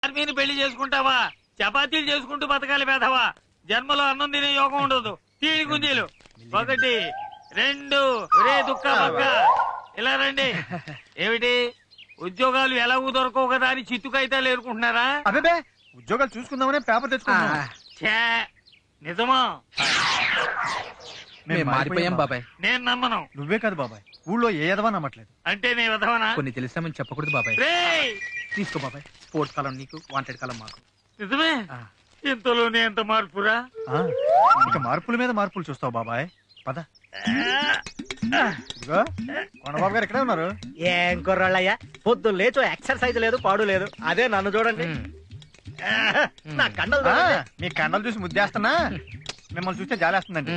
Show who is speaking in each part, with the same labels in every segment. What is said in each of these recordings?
Speaker 1: ఆర్మీని పెళ్లి చేసుకుంటావా? చపాతీలు చేసుకుంటూ బతకాలి పేదవా. జన్మలో అన్నం తినే యోగం ఉండదు. తీడి గుంజీలు 1 2 రే దుక్క పక్క ఇలా రండి. ఏమిటి ఉద్యోగాలు ఎలాగూ దొరకవు కదా అని చిత్తుకైతే లేరుకుంటున్నారా?
Speaker 2: అదే ఉద్యోగాలు చూసుకుందామనే పేపర్ తెచ్చుకున్నా.
Speaker 1: నిజమా?
Speaker 3: మారిపోయాం బాబాయ్.
Speaker 1: నేను నమ్మను.
Speaker 2: నువ్వే కాదు బాబాయ్, ఊళ్ళో ఏ ఎదవా నమ్మట్లేదు.
Speaker 1: అంటే నీ విధవనా?
Speaker 3: కొన్ని తెలిసామని చెప్పకూడదు బాబాయ్.
Speaker 1: రేయ్
Speaker 3: తీసుకో బాబాయ్. స్పోర్ట్స్ కాలం నీకు, వాంటెడ్ కాలం మాకు.
Speaker 1: నిజమే? ఇంతలోనే ఎంత మార్పురా?
Speaker 2: ఇక మార్పుల మీద మార్పులు చూస్తావు బాబాయ్. పద. ఇదిగో కొండబాబు గారు ఎక్కడే ఉన్నారు?
Speaker 4: ఏం కుర్రాళ్ళయ్యా, పొద్దున్న లేచో ఎక్సర్సైజ్ లేదు పాడు లేదు. అదే నన్ను చూడండి. నా కండలు చూడండి.
Speaker 2: మీ కండలు చూసి ముద్దేస్తున్నా, మిమ్మల్ని చూస్తే జాలేస్తుందండి.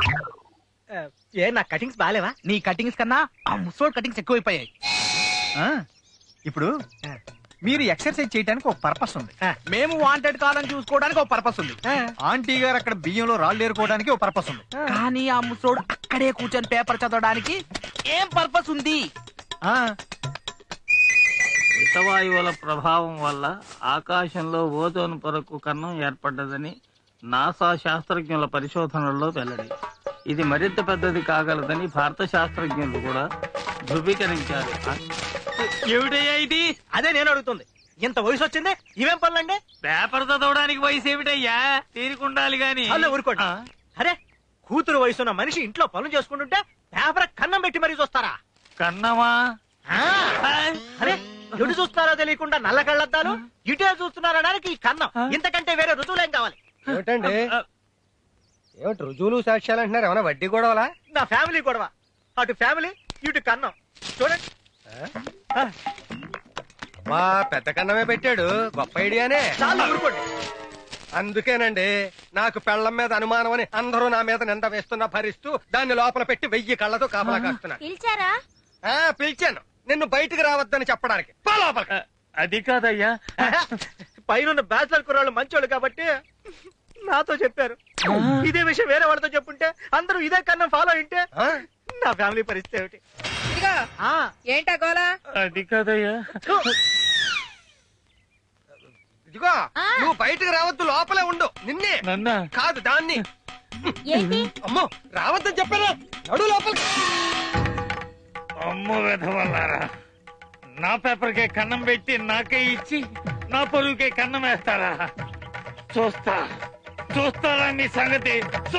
Speaker 4: ఏ నా కటింగ్స్ బాగాలేవా?
Speaker 3: నీ కటింగ్స్ కన్నా ఆ ముసోడ్ కటింగ్స్ ఎక్కువైపోయాయి.
Speaker 2: ఇప్పుడు మీరు ఎక్సర్సైజ్ చేయడానికి ఒక పర్పస్ ఉంది.
Speaker 3: మేము వాంటెడ్ కాలం చూసుకోవడానికి ఒక పర్పస్ ఉంది.
Speaker 2: ఆంటీ గారు అక్కడ బియ్యంలో రాళ్ళు ఏరుకోవడానికి ఒక పర్పస్ ఉంది.
Speaker 3: కానీ ఆ ముసోడు అక్కడే కూర్చొని పేపర్ చదవడానికి ఏం పర్పస్ ఉంది?
Speaker 1: హితవాయువుల ప్రభావం వల్ల ఆకాశంలో ఓజోన్ పొరకు కన్నం ఏర్పడ్డదని నాసా శాస్త్రజ్ఞుల పరిశోధనల్లో వెల్లడి. ఇది మరింత పెద్దది కాగలదని భారత శాస్త్రజ్ఞులు కూడా ధృవీకరించారు. ఏమిటయ్యా ఇది?
Speaker 4: అదే నేను అడుగుతుంది. ఇంత వయసు వచ్చింది, ఇవేం పనులండి?
Speaker 1: పేపర్ చదవడానికి వయసు ఏమిటయ్యా? తీరుకుండాలి గాని.
Speaker 4: అలా ఊరుకోండి. అరే, కూతురు వయసున్న మనిషి ఇంట్లో పనులు చేసుకుంటుంటే పేపర్ కన్నం పెట్టి మరీ చూస్తారా?
Speaker 1: కన్నమా?
Speaker 4: అరే, ఎటు చూస్తారో తెలియకుండా నల్ల కళ్ళద్దాలు, ఇటే చూస్తున్నారనడానికి ఈ కన్నం. ఇంతకంటే వేరే రుజువులేం కావాలి?
Speaker 5: ఏమిటండి, ఏమిటి రుజువులు సాక్ష్యాలు అంటున్నారు? ఏమైనా వడ్డీ గొడవలా?
Speaker 4: నా ఫ్యామిలీ గొడవ. అటు ఫ్యామిలీ, ఇటు కన్నం. చూడండి.
Speaker 5: మా పెద్ద కన్నమే పెట్టాడు, గొప్ప ఐడియానే.
Speaker 4: చాలా ఊరుకోండి.
Speaker 5: అందుకేనండి నాకు పెళ్లం మీద అనుమానం అని అందరూ నా మీద నింద వేస్తున్నా భరిస్తూ దాన్ని లోపల పెట్టి 1000 కళ్ళతో కాపలా కాస్తున్నా. పిలిచాను నిన్ను బయటికి రావద్దని చెప్పడానికి. పో లోపలికి.
Speaker 1: అది కాదయ్యా,
Speaker 4: పైన బ్యాచిలర్ కుర్రాళ్ళు మంచోళ్ళు కాబట్టి నాతో చెప్పారు. ఇదే విషయం వేరే వాళ్ళతో చెప్పుంటే అందరూ ఇదే కన్నా ఫాలో అయింటే నా ఫ్యామిలీ పరిస్థితి ఏమిటి?
Speaker 6: ఏంటా గోలా?
Speaker 1: అది కాదయ్యా.
Speaker 5: ఇదిగో నువ్వు బయటికి రావద్దు, లోపలే ఉండు. నిన్నే
Speaker 1: నన్నా
Speaker 5: కాదు దాన్ని. అమ్మో రావద్దని చెప్పాను, నడు లోపలికి.
Speaker 1: అమ్మో వెధవల్లారా, నా పేపర్కే కన్నం పెట్టి నాకే ఇచ్చి నా పొరుగుకే కన్నం వేస్తారా? చూస్తారా నీ సంగతి?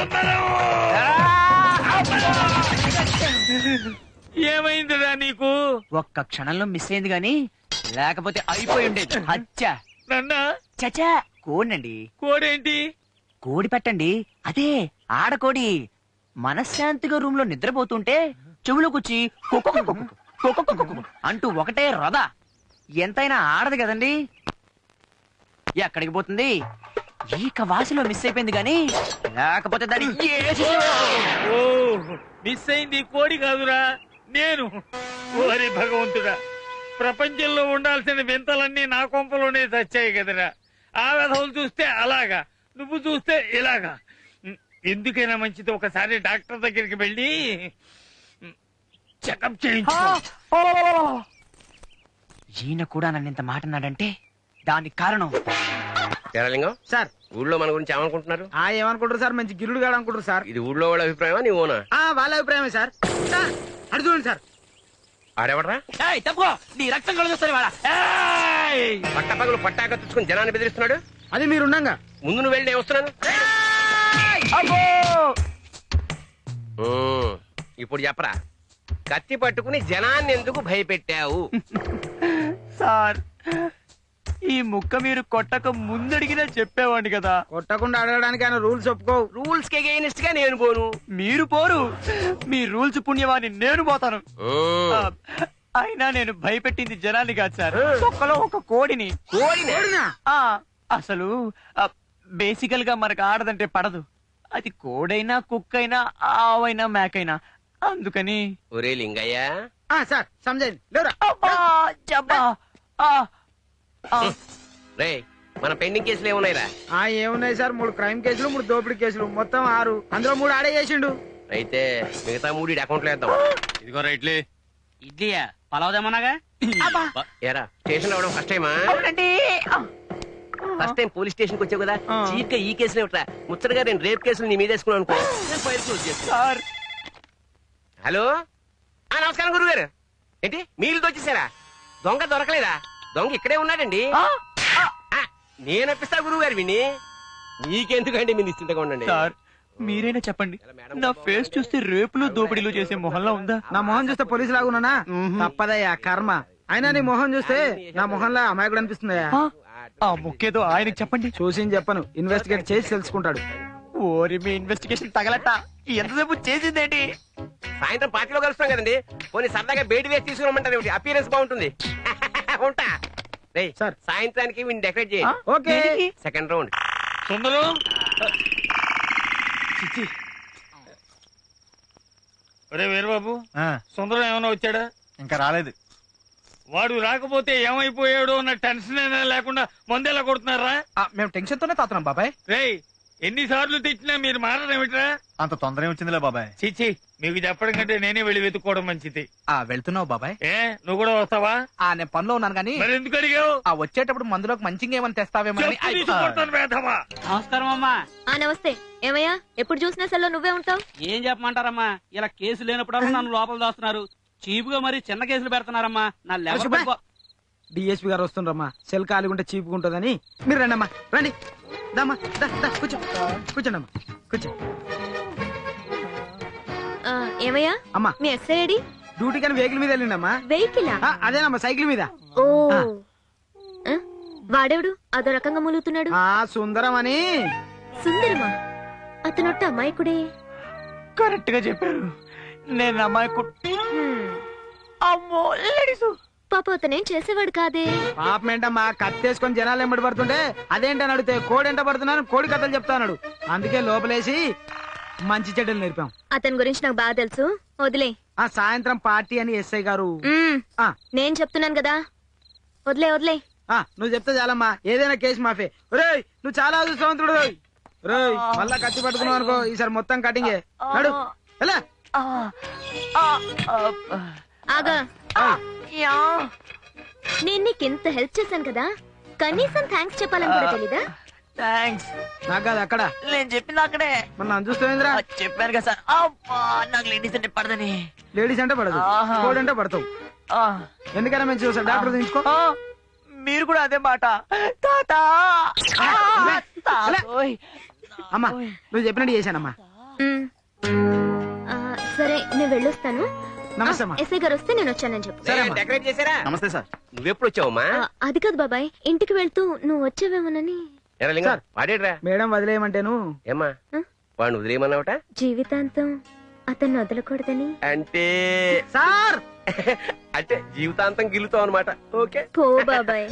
Speaker 1: ఏమైందిరా నీకు?
Speaker 3: ఒక్క క్షణంలో మిస్ అయింది గాని లేకపోతే అయిపోయి ఉండేది. అచ్చా
Speaker 1: నన్నా
Speaker 3: చచా కోడండి.
Speaker 1: కోడేంటి?
Speaker 3: కోడి పెట్టండి, అదే ఆడకోడి. మనశ్శాంతిగా రూమ్ లో నిద్రపోతుంటే చెవులోకొచ్చి అంటూ ఒకటే రథ. ఎంతైనా ఆడదు కదండి. ఎక్కడికి పోతుంది? ఈక వాసిలో మిస్ అయిపోయింది గాని లేకపోతే దాన్ని
Speaker 1: ఓ మిస్ అయింది కోడి కాదురా, నేను. ఓరి భగవంతుడా, ప్రపంచంలో ఉండాల్సిన వింతలన్నీ నా కొంపలోనే చచ్చాయి కదరా. ఆ వెధవులు చూస్తే అలాగా, నువ్వు చూస్తే ఇలాగా. ఎందుకైనా మంచిది ఒకసారి డాక్టర్ దగ్గరికి వెళ్ళి చెకప్ చేయించు.
Speaker 3: ఈయన కూడా నన్ను ఇంత మాట అన్నాడంటే దానికి కారణం
Speaker 7: తెరలింగం
Speaker 4: సార్,
Speaker 7: ఊళ్ళో మన గురించి ఏమనుకుంటున్నారు?
Speaker 4: ఏమనుకుంటారు సార్? మంచి గిరుడు గాడు అనుకుంటారు సార్.
Speaker 7: ఇది ఊళ్ళో వాళ్ళ అభిప్రాయమా నీ ఓనా?
Speaker 4: వాళ్ళ అభిప్రాయమే సార్. అడు చూడండి సార్.
Speaker 7: ఆడెవడరా?
Speaker 3: తప్పుకో, నీ రక్తం కలుగుతుంది.
Speaker 7: పట్టపగలు పట్టాక తెచ్చుకుని జనాన్ని బెదిరిస్తున్నాడు.
Speaker 4: అది మీరుండగా
Speaker 7: ముందు నువ్వు వెళ్ళి నేను వస్తున్నాను. ఇప్పుడు చెప్పరా, కత్తి పట్టుకుని జనాన్ని ఎందుకు భయపెట్టావు?
Speaker 3: సార్, ఈ ముక్క మీరు కొట్టక ముందడిగినా చెప్పేవాడిని కదా.
Speaker 4: కొట్టకుండా అడగడానికి ఆయన రూల్స్ ఒప్పుకోవు.
Speaker 7: రూల్స్ కి అగైనెస్ట్ గా నేను పోను.
Speaker 3: మీరు పోరు, మీ రూల్స్ పుణ్యవాన్ని నేను పోతాను. అయినా నేను భయపెట్టింది జనాన్ని కాదు సార్, ఒక్కలో ఒక కోడిని. అసలు బేసికల్ గా మనకు ఆడదంటే పడదు. అది కోడైనా కుక్కైనా ఆవైనా మేకైనా. అందుకని
Speaker 7: ఒరే లింగయ్య
Speaker 4: సార్ సమజైంది లేరా?
Speaker 7: రే, మన పెండింగ్ కేసులు ఏమున్నాయిరా?
Speaker 4: ఏమున్నాయి సార్? 3 క్రైమ్ కేసులు, 3 దోపిడీ కేసులు, మొత్తం 6. అందులో 3 ఆడే చేసిండు.
Speaker 7: అయితే మిగతా 3 అకౌంట్ లో వేద్దాం.
Speaker 1: ఇదిగో రైట్లే.
Speaker 3: ఇడ్లీయా పలావుదేమన్నాగా?
Speaker 7: ఏరా స్టేషన్ లో ఫస్ట్ టైమా?
Speaker 3: అవునండి.
Speaker 7: ఫస్ట్ టైం పోలీస్ స్టేషన్ కి వచ్చావు కదా, చీట్ గా ఈ కేసులో ఇట్రా ముచ్చటగా నేను రేప్ కేసులు నీ మీద వేసుకున్నాను అనుకో, నేను ఫైల్ క్లోజ్ చేస్తాను. హలో, నమస్కారం గురుగారు. ఏంటి మీరు వచ్చేసారా? దొంగ దొరకలేదా? దొంగ ఇక్కడే ఉన్నాడండి. నేను అప్పిస్తా గురువు గారు విని, మీకెందుకండి మీరు నిశ్చింతగా ఉండండి.
Speaker 3: సార్ మీరైనా చెప్పండి, నా ఫేస్ చూస్తే రేపులు దోపిడీలు చేసే మొహంలా ఉందా?
Speaker 4: నా మొహం చూస్తే పోలీసు లాగున్నానా? తప్పదయ్యా కర్మ. అయినా నీ మొహం చూస్తే నా మొహంలో అమాయకుడు అనిపిస్తుందయ్యా.
Speaker 3: ఆ ముక్కేదో ఆయనకి చెప్పండి.
Speaker 4: చూసి చెప్పను, ఇన్వెస్టిగేట్ చేసి తెలుసుకుంటాడు.
Speaker 3: ఓరి మీ ఇన్వెస్టిగేషన్ తగలట. ఎంతసేపు చేసిందేంటి?
Speaker 7: సాయంత్రం పార్టీలో కలుస్తాం కదండి, పోనీ సరదాగా బయట వేసి తీసుకురమ్మంటారు. అపీరెన్స్ బాగుంటుంది. ఉంటా. రేయ్,
Speaker 4: సార్.
Speaker 7: సాయంత్రానికి వీడిని డెకరేట్ చేయి.
Speaker 4: ఓకే.
Speaker 7: Second round.
Speaker 1: సుందరం, ఒరే వీరబాబు, సుందరం ఏమైనా వచ్చాడా?
Speaker 2: ఇంకా రాలేదు.
Speaker 1: వాడు రాకపోతే ఏమైపోయాడో అన్న టెన్షన్ అయినా లేకుండా మందేలా కొడుతున్నారా?
Speaker 4: మేము టెన్షన్ తోనే తాతున్నాం బాబాయ్.
Speaker 1: రేయ్, ఎన్నిసార్లు తెచ్చినా మీరు మారడమేమిట్రా?
Speaker 2: అంత తొందర వచ్చిందిలే బాబాయ్.
Speaker 1: చిచ్చి, మీకు చెప్పడం కంటే నేనే వెళ్ళి వెతుక్కోవడం మంచిది.
Speaker 4: వెళ్తున్నావు బాబాయ్?
Speaker 1: ఏ, నువ్వు కూడా వస్తావా?
Speaker 4: నేను పనిలో ఉన్నాను కానీ
Speaker 1: మరి ఎందుకు అడిగావు?
Speaker 4: వచ్చేటప్పుడు మందులోకి మంచిగా ఏమైనా తెస్తావేమో.
Speaker 1: చెప్పు తీసుకొడతాను వేధవా.
Speaker 8: నమస్కారం అమ్మా.
Speaker 6: నమస్తే. ఏమయ్యా, ఎప్పుడు చూసినా సెల్లో నువ్వే ఉంటావు?
Speaker 8: ఏం చెప్పమంటారమ్మా, ఇలా కేసు లేనప్పుడల్లా నన్ను లోపల దాస్తున్నారు. చీపుగా మరి చిన్న కేసులు పెడుతున్నారమ్మా. నా లెవెల్
Speaker 4: డిఎస్పీ గారు వస్తుండ్రమ్మా. సెల్ ఖాళీగా చీపుగా ఉంటుందని. మీరు రండి అమ్మా, రండి. దమ్మా, కూర్చో. కూర్చోండి అమ్మా, కూర్చో.
Speaker 6: ఏమయ్యా,
Speaker 4: అమ్మా,
Speaker 6: మీ ఎస్ఐ ఐడి?
Speaker 4: డ్యూటీ కానీ వెహికల్ మీద వెళ్ళిండమ్మా.
Speaker 6: వెహికలా?
Speaker 4: అదేనమ్మా, సైకిల్ మీద.
Speaker 6: ఓ, వాడేవుడు అదో రకంగా మూలుగుతున్నాడు?
Speaker 4: సుందరం అని.
Speaker 6: సుందరమా? అతనొట్ట అమాయకుడే.
Speaker 3: కరెక్ట్ గా చెప్పారు. నేను అమ్మాయి అమ్మో లేడీసు.
Speaker 6: పాప అతనేం చేసేవాడు కాదే.
Speaker 4: పాపం ఏంటమ్మా, కత్తేసుకొని జనాలు ఎంబడి పడుతుంటే అదేంటని అడిగితే కోడి ఎంట పడుతున్నాను, కోడి కథలు చెప్తాన్నాడు. అందుకే లోపలేసి మంచి చెడ్డలు నేర్పాం.
Speaker 6: అతని గురించి నాకు బాగా తెలుసు, వదిలే.
Speaker 4: సాయంత్రం పార్టీ అని ఎస్ఐ గారు.
Speaker 6: నేను చెప్తున్నాను కదా, వదిలే వదిలే.
Speaker 4: నువ్వు చెప్తే చాలమ్మా, ఏదైనా కేసు మాఫే. రేయ్, నువ్వు చాలా అదృష్టవంతుడు. రేయ్, మళ్ళా కత్తి పట్టుకున్నావు అనుకో, ఈసారి మొత్తం కటింగే. నడు ఎలా.
Speaker 6: ఆగా, నేను నీకింత హెల్ప్ చేశాను కదా, కనీసం థ్యాంక్స్ చెప్పాలని కూడా తెలీదా?
Speaker 3: థ్యాంక్స్.
Speaker 4: నాకు కాదు, అక్కడ
Speaker 3: నేను చెప్పింది అక్కడే.
Speaker 4: మన నన్ను చూస్తావేంద్రా?
Speaker 3: చెప్పాను కదా సార్. అబ్బా, నాకు లేడీస్ అంటే పడదని.
Speaker 4: లేడీస్ అంటే పడదు, కోడి అంటే పడతావు. ఎందుకైనా మంచి చూసా, డాక్టర్ తీసుకో.
Speaker 3: మీరు కూడా అదే మాట. తాతా,
Speaker 4: అమ్మా, నువ్వు చెప్పినట్టు చేశానమ్మా.
Speaker 6: సరే, నేను వెళ్ళొస్తాను.
Speaker 4: నమస్తే అమ్మా.
Speaker 6: ఎస్ఐ గారు వస్తే నేను వచ్చానని చెప్పు.
Speaker 7: డెకరేట్ చేశారా?
Speaker 2: నమస్తే సార్.
Speaker 7: నువ్వెప్పుడు వచ్చావమ్మా?
Speaker 6: అది కాదు బాబాయ్, ఇంటికి వెళ్తూ నువ్వు వచ్చావేమోనని.
Speaker 7: ఎరా లింగం, వాడేడ్రా?
Speaker 4: మేడం వదిలేయమంటేను.
Speaker 7: ఏమ్మా, వాడిని వదిలేయమన్నావట?
Speaker 6: జీవితాంతం అతన్ని వదలకూడదని.
Speaker 7: అంటే
Speaker 4: సార్,
Speaker 7: అంటే జీవితాంతం గిల్లుతావు అనమాట. ఓకే,
Speaker 6: పో బాబాయ్.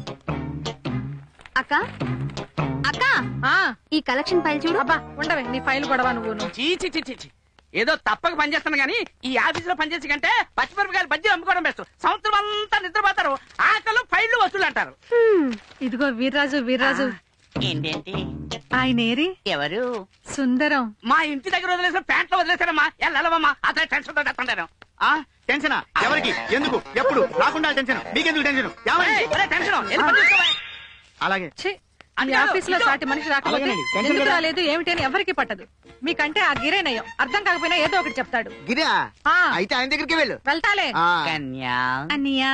Speaker 9: అక్క అక్క, ఈ కలెక్షన్ ఫైల్ చూడు.
Speaker 6: అబ్బా, ఉండవే నీ ఫైల్ గొడవ నువ్వు.
Speaker 8: చీ, ఏదో తప్పక పనిచేస్తాను గానీ ఈ ఆఫీస్ లో పనిచేసి కంటే పచ్చిమిరపకాయలు బజ్జీలు అమ్ముకోవడం బెస్ట్. సంవత్సరం అంతా నిద్రపోతారు, ఆకలు ఫైళ్లు వసూలు అంటారు.
Speaker 6: ఇదిగో వీర్రాజు.
Speaker 8: ఏంటేంటి
Speaker 6: ఆయనేరి?
Speaker 8: ఎవరు?
Speaker 6: సుందరం.
Speaker 8: మా ఇంటి దగ్గర వదిలేసిన ప్యాంట్లో వదిలేసారమ్మా. వెళ్ళవమ్మా, అతను టెన్షన్ తో చెప్తాను.
Speaker 2: టెన్షన్ ఎవరికి, ఎందుకు, ఎప్పుడు రాకుండా టెన్షన్ మీకెందుకు టెన్షన్?
Speaker 8: టెన్షన్
Speaker 2: అలాగే
Speaker 6: మీ ఆఫీస్ లో సాటి మనిషి రాకపోతే
Speaker 2: అలాగేనండి. టెన్షన్
Speaker 6: ఎందుకు
Speaker 2: కదా.
Speaker 6: రాలేదు ఏమిటని ఎవరికి పట్టదు. మీకంటే ఆ గిరేనయ్యం అర్థం కాకపోయినా ఏదో ఒకటి చెప్తాడు.
Speaker 2: గిరా
Speaker 6: ఆ,
Speaker 2: అయితే ఆయన దగ్గరికి వెళ్ళు.
Speaker 6: వెళ్తాలే.
Speaker 8: కన్యా
Speaker 6: అన్నయ్యా.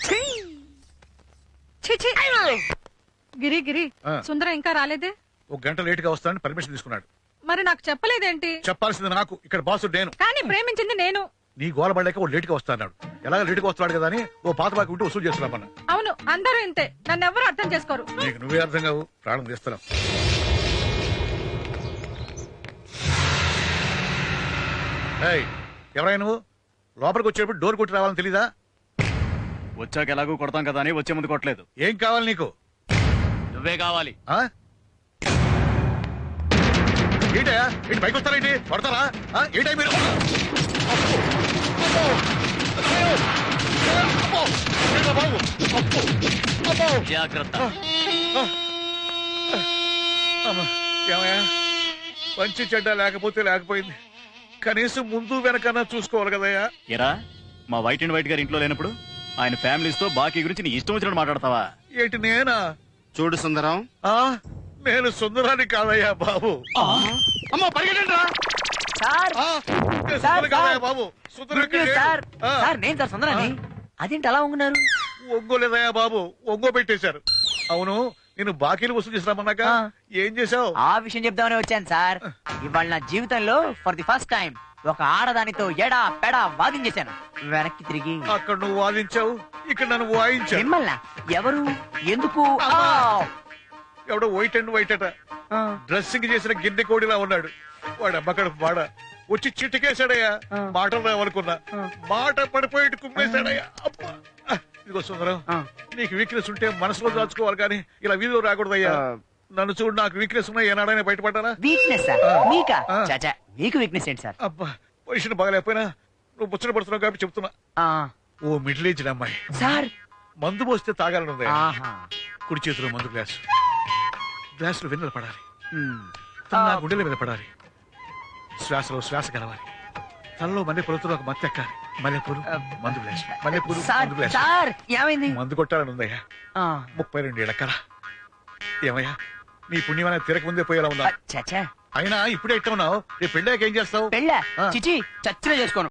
Speaker 6: ఛీ. గిరి సుందరం ఇంకా రాలేదే?
Speaker 10: ఒక గంట లేట్ గా వస్తానని పర్మిషన్ తీసుకున్నాడు.
Speaker 6: మరి నాకు చెప్పలేదేంటి?
Speaker 10: చెప్పాల్సింది నాకు, ఇక్కడ బాసు నేను.
Speaker 6: కానీ ప్రేమించింది నేను.
Speaker 10: నీ గోల పడలేక ఓ లేట్ గా వస్తాడు. ఎలాగ లేట్ గా వస్తాడు కదా అని ఓ పాత బాకి ఉంటే వసూలు చేస్తున్నామన్న.
Speaker 6: అవును, అందరూ ఇంతే, నన్ను ఎవరు అర్థం చేసుకోరు.
Speaker 10: నీకు నువ్వే అర్థం కావు, ప్రాణం తీస్తున్నావు. ఎవరైనా నువ్వు లోపలికి వచ్చేటప్పుడు డోర్ కొట్టి రావాలని తెలీదా?
Speaker 2: వచ్చాక ఎలాగో కొడతాం కదా అని వచ్చే ముందు కొట్టలేదు.
Speaker 10: ఏం కావాలి నీకు?
Speaker 2: నువ్వే కావాలి.
Speaker 10: ఏంటయా, ఏంటి పైకి వస్తారేంటి? కొడతారా? ఏంటై మీరు?
Speaker 2: జాగ్రత్త.
Speaker 10: ఏమయ్యా, మంచి చెడ్డ లేకపోయింది, కనీసం ముందు వెనకన్నా చూసుకోవాలి కదయ్యా.
Speaker 2: ఎరా, మా వైట్ అండ్ వైట్ గారి ఇంట్లో లేనప్పుడు ఆయన ఫ్యామిలీస్ తో బాకీ గురించి నీ ఇష్టం వచ్చినట్టు మాట్లాడతావా?
Speaker 10: ఏంటి నేనా?
Speaker 2: చూడు సుందరం,
Speaker 10: ఆ నేను సుందరాన్ని కాదయ్యా బాబు.
Speaker 2: అమ్మో పరిగెట్టండి రా.
Speaker 3: సార్
Speaker 10: నేను
Speaker 3: సార్,
Speaker 10: సుందరం కాదయ్యా
Speaker 3: సార్.
Speaker 10: బాబు. సుందరం
Speaker 3: గుడ్ న్యూస్
Speaker 10: లేడు.
Speaker 3: సార్
Speaker 10: ఆ,
Speaker 3: సార్ నేను సార్ సుందరాన్ని. అదేంటి అలా ఉంటున్నారు?
Speaker 10: ఒంగోలేదయ్యా బాబు, ఒంగో పెట్టేశారు. అవును, నేను బాకీలు వసూలు చేసినామన్నాక
Speaker 3: ఆ.
Speaker 10: ఏం చేసావు?
Speaker 3: ఆ విషయం చెప్దామని వచ్చాను సార్. ఇవాళ నా జీవితంలో ఫర్ ది ఫస్ట్ టైం ఒక ఆడదానితో ఎడా పెడా వాదించేశాను. వెనక్కి తిరిగి
Speaker 10: అక్కడ నువ్వు వాదించావు, ఇక్కడ నన్ను వాయించావు.
Speaker 3: మిమ్మల్ని ఎవరు ఎందుకు
Speaker 10: ఎవడో వైట్ అండ్ వైట్ అట, డ్రెస్సింగ్ చేసిన గిన్నె కోడిలా ఉన్నాడు. వాడు అమ్మకడ వాడ వచ్చి చిటికేశాడయ్యా. మాటలు రావనుకున్నా, మాట పడిపోయి కుమ్మేశాడయ్యా. అబ్బా. ఇదిగో సుందరం, నీకు వీక్నెస్ ఉంటే మనసులో దాచుకోవాలి కానీ ఇలా వీధిలో రాకూడదయ్యా. నన్ను చూడు, నాకు వీక్నెస్ ఉన్నా ఏనాడైనా బయటపడ్డానా?
Speaker 3: వీక్నెస్ సార్ మీకా? చాచా మీకు వీక్నెస్ ఏంటి సార్?
Speaker 10: అబ్బా, పొజిషన్ బాగాలేకపోయినా నువ్వు ముచ్చట పడుతున్నావు కాబట్టి చెప్తున్నా. ఓ మిడిల్ ఏజ్ అమ్మాయి
Speaker 3: సార్
Speaker 10: మందు పోస్తే తాగాలని ఉంది.
Speaker 3: ఆహా.
Speaker 10: కుడి చేతిలో మందు గ్లాసు, గ్లాసులో వెన్నెల పడాలి, తన నా గుండెల మీద పడాలి, శ్వాసలో శ్వాస కలవాలి, తనలో మల్లెపూలతో ఒక మత్తు ఎక్కాలి. మల్లెపూలు మందు గ్లాసు, మల్లెపూలు
Speaker 3: సార్
Speaker 10: మందు గ్లాసు.
Speaker 3: సార్ ఏమైంది?
Speaker 10: మందు కొట్టాలని ఉందయ్యా. 32 ఏళ్ల కల. ఏమయ్యా, నీ పుణ్యమైన తిరక ముందే పోయేలా ఉందా?
Speaker 3: చాచా
Speaker 10: అయినా ఇప్పుడే ఇట్ట ఉన్నావు, రేపు పెళ్ళాక ఏం చేస్తావు?
Speaker 3: పెళ్ళ చిచి చచ్చిన చేసుకోను.